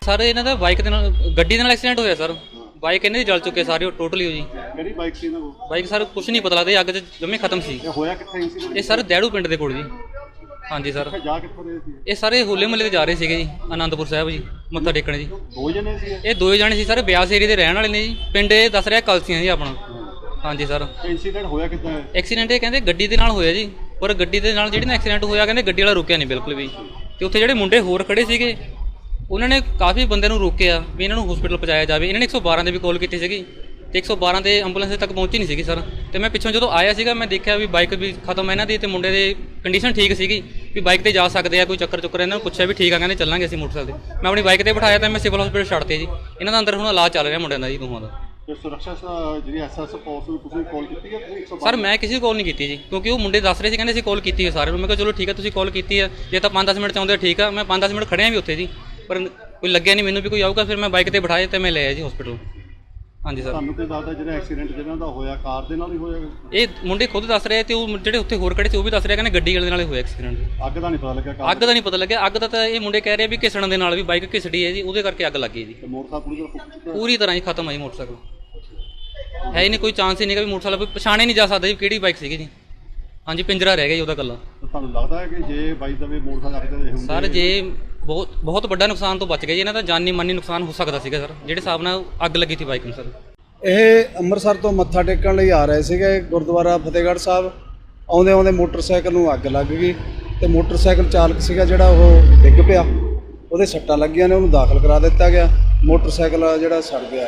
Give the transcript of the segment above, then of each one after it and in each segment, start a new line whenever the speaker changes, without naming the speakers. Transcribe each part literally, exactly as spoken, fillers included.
Sir इन्हां दा bike दे नाल गड्डी दे नाल एक्सीडेंट होया सर। बाइक इन्हां दी जल चुके सारी टोटली जी।
ਕਿਹੜੀ ਬਾਈਕ ਸੀ ਇਹਨਾਂ ਕੋਲ?
बाइक सर कुछ नहीं पता लगदा, अग च जम्मे खत्म सी।
ਇਹ ਹੋਇਆ ਕਿੱਥੇ ਇੰਸੀਡੈਂਟ?
ये सर दैड़ू पिंड दे कोल जी। हाँ जी सर,
ਜਾ ਕਿੱਥੋਂ ਰਹੇ ਸੀ?
ये सारे होले महल्ले ते जा रहे ਸੀਗੇ जी, आनंदपुर साहिब जी मत्था टेकण जी।
ਦੋ ਜਣੇ ਸੀ ਇਹ?
ਇਹ ਦੋਏ ਜਾਣੇ ਸੀ ਸਰ, ਬਿਆਸ ਏਰੀਏ ਦੇ ਰਹਿਣ ਵਾਲੇ ਨੇ ਜੀ। ਪਿੰਡ ਇਹ ਦੱਸ ਰਿਹਾ ਕਲਸੀਆਂ ਜੀ ਆਪਣਾ। ਹਾਂਜੀ ਸਰ।
ਇੰਸੀਡੈਂਟ ਹੋਇਆ ਕਿੱਦਾਂ ਹੈ?
ਐਕਸੀਡੈਂਟ ਇਹ ਕਹਿੰਦੇ ਗੱਡੀ ਦੇ ਨਾਲ ਹੋਇਆ ਜੀ, ਪਰ ਗੱਡੀ ਦੇ ਨਾਲ ਜਿਹੜੀ ਨਾ ਐਕਸੀਡੈਂਟ ਹੋਇਆ ਕਹਿੰਦੇ ਗੱਡੀ ਵਾਲਾ ਰੁਕਿਆ ਨਹੀਂ ਬਿਲਕੁਲ ਵੀ। ਤੇ ਉੱਥੇ ਜਿਹੜੇ ਮੁੰਡੇ ਹੋਰ ਖੜੇ ਸੀਗੇ ਉਹਨਾਂ ਨੇ ਕਾਫੀ ਬੰਦੇ ਨੂੰ ਰੋਕਿਆ ਵੀ ਇਹਨਾਂ ਨੂੰ ਹਸਪੀਟਲ ਪਹੁੰਚਾਇਆ ਜਾਵੇ। ਇਹਨਾਂ ਨੇ ਇੱਕ ਸੌ ਬਾਰਾਂ ਦੇ ਵੀ ਕਾਲ ਕੀਤੀ ਸੀਗੀ ਤੇ ਇੱਕ ਸੌ ਬਾਰਾਂ ਦੇ ਐਂਬੂਲੈਂਸ ਤੱਕ ਪਹੁੰਚੀ ਨਹੀਂ ਸੀਗੀ ਸਰ। ਤੇ ਮੈਂ ਪਿੱਛੋਂ ਜਦੋਂ ਆਇਆ ਸੀਗਾ ਮੈਂ ਦੇਖਿਆ ਵੀ ਬਾਈਕ ਵੀ ਖਤਮ ਹੈ ਇਹਨਾਂ ਦੀ ਤੇ ਮੁੰਡੇ ਦੀ ਕੰਡੀਸ਼ਨ ਠੀਕ ਸੀਗੀ ਵੀ ਬਾਈਕ ਤੇ ਜਾ ਸਕਦੇ ਆ, ਕੋਈ ਚੱਕਰ ਚੁੱਕਰ। ਇਹਨਾਂ ਨੂੰ ਪੁੱਛਿਆ ਵੀ ਠੀਕ ਆ, ਕਹਿੰਦੇ ਚੱਲਾਂਗੇ ਅਸੀਂ ਮੋਟਰਸਾਈਕਲ ਤੇ। ਮੈਂ ਆਪਣੀ ਬਾਈਕ ਤੇ ਬਿਠਾਇਆ ਤਾਂ ਮੈਂ ਸਿਵਲ ਹਸਪੀਟਲ ਛੱਡਤੇ ਜੀ। ਇਹਨਾਂ ਦਾ ਅੰਦਰ ਹੁਣ ਇਲਾਜ ਚੱਲ ਰਿਹਾ ਮੁੰਡਿਆਂ ਦਾ ਜੀ, ਦੋਹਾਂ ਦਾ।
ਤੇ ਸੁਰੱਖਿਆ ਜਿਹੜੀ ਐਸਐਸ ਫੋਰਸ ਨੂੰ ਤੁਸੀਂ ਕਾਲ ਕੀਤੀ ਹੈ? ਇੱਕ ਸੌ ਬਾਰਾਂ
ਸਰ ਮੈਂ ਕਿਸੇ ਨੂੰ ਕਾਲ ਨਹੀਂ ਕੀਤੀ ਜੀ, ਕਿਉਂਕਿ ਉਹ ਮੁੰਡੇ ਦੱਸ ਰਹੇ ਸੀ ਕਹਿੰਦੇ ਅਸੀਂ ਕਾਲ ਕੀਤੀ ਹੈ ਸਾਰਿਆਂ ਨੂੰ। ਮੈਂ ਕਿਹਾ ਚਲੋ ਠੀਕ ਹੈ, ਤੁਸੀਂ ਕਾਲ ਕੀਤੀ ਹੈ, ਜੇ ਤਾਂ ਪੰਜ ਦਸ ਮਿੰਟ ਚਾਹੁੰਦੇ ਠੀਕ ਆ। ਮੈਂ ਪੰਜ ਦਸ ਮਿੰਟ ਖੜਿਆ ਵੀ ਉੱਥੇ ਜੀ, ਪਰ ਕੋਈ ਲੱਗਿਆ ਨਹੀਂ ਮੈਨੂੰ ਵੀ ਕੋਈ ਆਊਗਾ। ਫਿਰ ਮੈਂ ਬਾਈਕ ਤੇ ਬਿਠਾਏ ਤੇ ਮੈਂ ਲੈ ਆਇਆ ਜੀ ਹਸਪੀਟਲ। ਹਾਂਜੀ ਸਰ।
ਤੁਹਾਨੂੰ ਕੀ ਦੱਸਦਾ ਜਿਹੜਾ ਐਕਸੀਡੈਂਟ ਜਿਹਨਾਂ ਦਾ ਹੋਇਆ ਕਾਰ ਦੇ ਨਾਲ ਹੀ ਹੋਇਆ?
ਇਹ ਮੁੰਡੇ ਖੁਦ ਦੱਸ ਰਹੇ ਤੇ ਉਹ ਜਿਹੜੇ ਉੱਥੇ ਹੋਰ ਖੜੇ ਸੀ ਉਹ ਵੀ ਦੱਸ ਰਹੇ ਕਹਿੰਦੇ ਗੱਡੀ ਵਾਲੇ ਨਾਲ ਹੀ ਹੋਇਆ ਐਕਸੀਡੈਂਟ।
ਅੱਗ ਦਾ ਨਹੀਂ ਪਤਾ ਲੱਗਿਆ? ਕਾਰ
ਅੱਗ ਦਾ ਨਹੀਂ ਪਤਾ ਲੱਗਿਆ। ਅੱਗ ਦਾ ਤਾਂ ਇਹ ਮੁੰਡੇ ਕਹਿ ਰਹੇ ਵੀ ਘਿਸਣ ਦੇ ਨਾਲ ਵੀ ਬਾਈਕ ਘਿਸੜੀ ਹੈ ਜੀ, ਉਹਦੇ ਕਰਕੇ ਅੱਗ ਲੱਗ ਗਈ ਜੀ।
ਤੇ ਮੋਟਰਸਾਈਕਲ ਪੂਰੀ ਤਰ੍ਹਾਂ ਫੁੱਕ ਚੁੱਕਾ?
ਪੂਰੀ ਤਰ੍ਹਾਂ ਹੀ ਖਤਮ ਹੈ ਜੀ ਮੋਟਰਸਾਈਕਲ। ਹੈ ਹੀ ਨਹੀਂ, ਕੋਈ ਚਾਂਸ ਹੀ ਨਹੀਂ ਕਿ ਵੀ ਮੋਟਰਸਾਈਕਲ ਪਛਾਣੇ ਨਹੀਂ ਜਾ ਸਕਦਾ ਜੀ ਕਿਹੜੀ ਬਾਈਕ ਸੀਗੀ ਜੀ। ਹਾਂਜੀ, ਪਿੰਜਰਾ ਰਹਿ ਗਿਆ ਜੀ ਉਹਦਾ ਇਕੱਲਾ।
ਤੁਹਾਨੂੰ ਲੱਗਦਾ ਹੈ ਕਿ ਜੇ ਬਾਈ ਦਵੇ ਮੋਟਰਸਾਈਕਲ ਅੱਗ ਦੇ ਹੁੰਦੇ?
ਸਰ ਜੇ ਬਹੁਤ ਬਹੁਤ ਵੱਡਾ ਨੁਕਸਾਨ ਤੋਂ ਬਚ ਗਏ ਜੀ, ਇਹਨਾਂ ਦਾ ਜਾਨੀ ਮਾਨੀ ਨੁਕਸਾਨ ਹੋ ਸਕਦਾ ਸੀਗਾ ਸਰ, ਜਿਹੜੇ ਹਿਸਾਬ ਨਾਲ ਅੱਗ ਲੱਗੀ ਸੀ ਬਾਈਕ ਨੂੰ ਸਰ।
ਇਹ ਅੰਮ੍ਰਿਤਸਰ ਤੋਂ ਮੱਥਾ ਟੇਕਣ ਲਈ ਆ ਰਹੇ ਸੀਗੇ ਗੁਰਦੁਆਰਾ ਫਤਿਹਗੜ੍ਹ ਸਾਹਿਬ। ਆਉਂਦੇ ਆਉਂਦੇ ਮੋਟਰਸਾਈਕਲ ਨੂੰ ਅੱਗ ਲੱਗ ਗਈ ਤੇ ਮੋਟਰਸਾਈਕਲ ਚਾਲਕ ਸੀਗਾ ਜਿਹੜਾ ਉਹ ਡਿੱਗ ਪਿਆ, ਉਹਦੇ ਸੱਟਾਂ ਲੱਗੀਆਂ ਨੇ, ਉਹਨੂੰ ਦਾਖਲ ਕਰਾ ਦਿੱਤਾ ਗਿਆ। ਮੋਟਰਸਾਈਕਲ ਜਿਹੜਾ ਸੜ ਗਿਆ।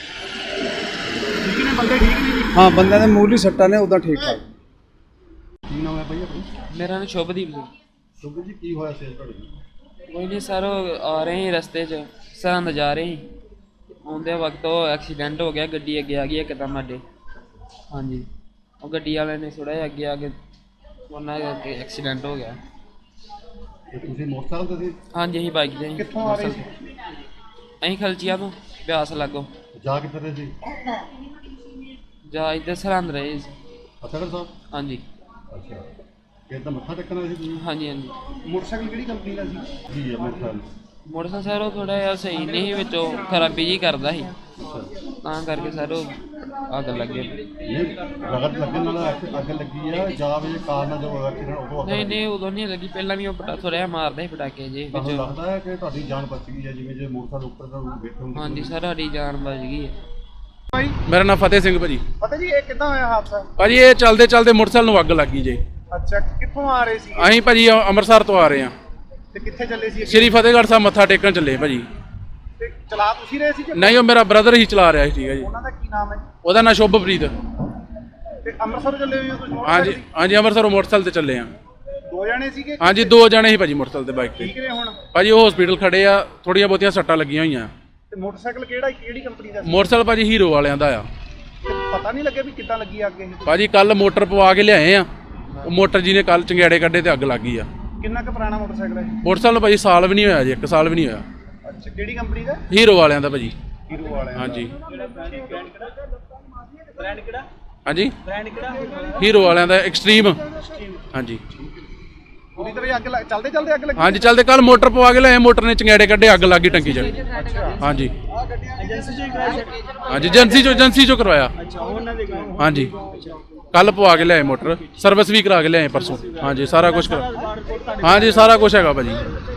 ਠੀਕ ਨੇ ਬੰਦੇ? ਠੀਕ ਨੇ ਜੀ?
ਹਾਂ, ਬੰਦਿਆਂ ਦੇ ਮੂਲੀ ਸੱਟਾਂ ਨੇ, ਉੱਦਾਂ ਠੀਕ ਠਾਕ।
ਕੀ ਨਾਮ ਹੈ ਭਾਈ ਆਪਣਾ?
ਮੇਰਾ ਨਾਮ ਸ਼ੁਭਦੀਪ ਜੀ।
ਸ਼ੁਭ ਜੀ, ਕੀ ਹੋਇਆ ਸੀ ਤੁਹਾਡੇ ਨਾਲ?
ਕੋਈ ਨਹੀਂ ਸਰ, ਉਹ ਆ ਰਹੇ ਸੀ ਰਸਤੇ 'ਚ, ਸਰਹੰਦ ਜਾ ਰਹੇ ਸੀ। ਆਉਂਦੇ ਵਕਤ ਉਹ ਐਕਸੀਡੈਂਟ ਹੋ ਗਿਆ, ਗੱਡੀ ਅੱਗੇ ਆ ਗਈ ਇੱਕਦਮ ਸਾਡੇ। ਹਾਂਜੀ, ਉਹ ਗੱਡੀ ਵਾਲੇ ਨੇ ਥੋੜ੍ਹਾ ਜਿਹਾ ਅੱਗੇ ਆ ਕੇ ਉਹਨਾਂ ਕਰਕੇ ਐਕਸੀਡੈਂਟ ਹੋ ਗਿਆ।
ਤੇ ਤੁਸੀਂ ਮੋਟਰਸਾਈਕਲ ਤੇ ਸੀ?
ਹਾਂਜੀ, ਅਸੀਂ ਬਾਈਕ 'ਤੇ ਸੀ।
ਕਿੱਥੋਂ ਆ ਰਹੇ ਸੀ?
ਅਸੀਂ ਖਲਚੀਆਂ ਤੋਂ ਬਿਆਸ ਲਾਗੋਂ।
ਜਾ ਕਿੱਥੇ ਰਹੇ ਸੀ?
ਜਾ ਇੱਧਰ ਸਰਹੰਦ ਰਹੇ ਸੀ।
ਫਤਿਹਗੜ੍ਹ ਸਾਹਿਬ?
ਹਾਂਜੀ
ਅੱਛਾ, ਫਿਰ ਤਾਂ ਮੱਥਾ ਟੇਕਣਾ ਸੀ ਤੁਸੀਂ?
ਹਾਂਜੀ ਹਾਂਜੀ।
ਮੋਟਰਸਾਈਕਲ ਕਿਹੜੀ ਕੰਪਨੀ ਦਾ ਸੀ? ਜੀ ਹੈ ਮੋਟਰਸਾਈਕਲ।
ਮੋਟਰਸਾਈਕਲ ਸਰ ਉਹ ਥੋੜ੍ਹਾ ਜਿਹਾ ਸਹੀ ਨਹੀਂ ਸੀ, ਵਿੱਚੋਂ ਖਰਾਬੀ ਜਿਹੀ ਕਰਦਾ ਸੀ, ਤਾਂ ਕਰਕੇ ਸਰ ਉਹ ਅੱਗ ਲੱਗੇ।
ਨਹੀਂ, ਰਗੜ ਲੱਗਣ ਨਾਲ ਅੱਗ ਅੱਗ ਲੱਗੀ ਆ ਜਾਂ ਵੀ ਕਾਰ ਨਾਲ ਜੋ ਐਕਸੀਡੈਂਟ ਉਦੋਂ ਅੱਗ
ਨਹੀਂ
ਲੱਗੀ?
ਨਹੀਂ, ਉਦੋਂ ਨਹੀਂ ਲੱਗੀ, ਪਹਿਲਾਂ ਵੀ ਉਹ ਪਟਾ ਥੋੜ੍ਹਾ ਜਿਹਾ ਮਾਰਦਾ ਸੀ ਪਟਾਕੇ ਜੇ
ਤੁਹਾਨੂੰ
ਵਿੱਚ।
ਲੱਗਦਾ ਹੈ ਕਿ ਤੁਹਾਡੀ ਜਾਨ ਬਚ ਗਈ ਹੈ ਜਿਵੇਂ ਜੇ ਮੋਟਰਸਾਈਕਲ ਉੱਪਰ ਦਾ ਬੈਠੇ ਹੁੰਦੇ?
ਹਾਂਜੀ ਸਰ, ਸਾਡੀ ਜਾਨ ਬਚ ਗਈ ਹੈ।
ਮੇਰਾ ਨਾਮ ਫਤਿਹ ਸਿੰਘ ਭਾਜੀ।
ਪਤਾ ਜੀ ਇਹ ਕਿੱਦਾਂ ਹੋਇਆ ਹਾਦਸਾ?
ਭਾਜੀ ਇਹ ਚੱਲਦੇ ਚੱਲਦੇ ਮੋਟਰਸਾਈਕਲ ਨੂੰ ਅੱਗ ਲੱਗ ਗਈ ਜੀ।
ਅੱਛਾ, ਕਿੱਥੋਂ ਆ ਰਹੇ ਸੀ
ਅਸੀਂ ਭਾਜੀ ਅੰਮ੍ਰਿਤਸਰ ਤੋਂ ਆ ਰਹੇ ਹਾਂ,
ਤੇ ਕਿੱਥੇ ਚੱਲੇ ਸੀ?
ਸ਼੍ਰੀ ਫਤਿਹਗੜ੍ਹ ਸਾਹਿਬ ਮੱਥਾ ਟੇਕਣ ਚੱਲੇ ਭਾਜੀ।
ਤੇ ਚਲਾ ਤੁਸੀਂ ਰਹੇ ਸੀ ਕਿ
ਨਹੀਂ, ਉਹ ਮੇਰਾ ਬ੍ਰਦਰ ਹੀ ਚਲਾ ਰਿਹਾ ਸੀ। ਠੀਕ ਹੈ ਜੀ।
ਉਹਨਾਂ ਦਾ ਕੀ ਨਾਮ ਹੈ ਜੀ?
ਉਹਦਾ ਨਾਂ ਸ਼ੁਭਪ੍ਰੀਤ।
ਤੇ ਅੰਮ੍ਰਿਤਸਰ ਚੱਲੇ ਹੋਏ ਹੋ ਤੁਸੀਂ?
ਹਾਂਜੀ ਹਾਂਜੀ, ਅੰਮ੍ਰਿਤਸਰੋਂ ਮੋਟਰਸਾਈਕਲ ਤੇ ਚੱਲੇ ਹਾਂ।
ਦੋ ਜਣੇ ਸੀਗੇ?
ਹਾਂਜੀ, ਦੋ ਜਣੇ ਸੀ ਭਾਜੀ ਮੋਟਰਸਾਈਕਲ ਤੇ, ਬਾਈਕ
ਠੀਕ
ਤੇ।
ਨੇ ਹੁਣ?
ਭਾਜੀ ਉਹ ਹਸਪੀਟਲ ਖੜੇ ਆ, ਥੋੜ੍ਹੀਆਂ ਬਹੁਤੀਆਂ ਸੱਟਾਂ ਲੱਗੀਆਂ ਹੋਈਆਂ।
ਤੇ ਮੋਟਰਸਾਈਕਲ ਕਿਹੜਾ ਕਿਹੜੀ ਕੰਪਨੀ ਦਾ ਸੀ?
ਮੋਟਰਸਾਈਕਲ ਭਾਜੀ ਹੀਰੋ ਵਾਲਿਆਂ ਦਾ ਆ।
ਤੇ ਪਤਾ ਨਹੀਂ ਲੱਗਿਆ ਵੀ ਕਿੱਦਾਂ ਲੱਗੀ ਅੱਗ ਇਹ?
ਭਾਜੀ ਕੱਲ ਮੋਟਰ ਪਵਾ ਕੇ ਲਿਆਏ ਆ, ਉਹ ਮੋਟਰ ਜੀ ਨੇ ਕੱਲ ਚੰਗਿਆੜੇ ਕੱਢੇ ਤੇ ਅੱਗ ਲੱਗ ਗਈ ਆ।
ਕਿੰਨਾ ਕੁ ਪੁਰਾਣਾ ਮੋਟਰਸਾਈਕਲ ਹੈ?
ਮੋਟਰਸਾਈਕਲ ਨੂੰ ਭਾਜੀ ਸਾਲ ਵੀ ਨਹੀਂ ਹੋਇਆ ਜੀ, ਇੱਕ ਸਾਲ ਵੀ ਨਹੀਂ ਹੋਇਆ।
ਅੱਛਾ, ਕਿਹੜੀ ਕੰਪਨੀ ਦਾ?
ਹੀਰੋ ਵਾਲਿਆਂ ਦਾ ਭਾਜੀ।
ਹੀਰੋ ਵਾਲਿਆਂ ਦਾ।
ਹਾਂਜੀ
ਬ੍ਰਾਂਡ ਕਿਹੜਾ?
ਹਾਂਜੀ,
ਬ੍ਰਾਂਡ ਕਿਹੜਾ?
ਹੀਰੋ ਵਾਲਿਆਂ ਦਾ ਐਕਸਟ੍ਰੀਮ। ਹਾਂਜੀ
ਪੂਰੀ ਤਰ੍ਹਾਂ ਅੱਗ ਲੱਗ ਚੱਲਦੇ ਚੱਲਦੇ ਅੱਗ ਲੱਗੀ?
ਹਾਂਜੀ, ਚੱਲਦੇ ਕੱਲ ਮੋਟਰ ਪਵਾ ਕੇ ਲਿਆਏ, ਮੋਟਰ ਨੇ ਚੰਗਿਆੜੇ ਕੱਢੇ, ਅੱਗ ਲੱਗ ਗਈ ਟੰਕੀ 'ਚ। ਹਾਂਜੀ ਹਾਂਜੀ, ਏਜੰਸੀ 'ਚੋਂ ਏਜੰਸੀ 'ਚੋਂ ਕਰਵਾਇਆ। ਹਾਂਜੀ, ਕੱਲ ਪਵਾ ਕੇ ਲਿਆਏ ਮੋਟਰ, ਸਰਵਿਸ ਵੀ ਕਰਾ ਕੇ ਲਿਆਏ ਪਰਸੋਂ। ਹਾਂਜੀ, ਸਾਰਾ ਕੁਝ ਕਰਾ, ਹਾਂਜੀ ਸਾਰਾ ਕੁਝ ਹੈਗਾ ਭਾਜੀ।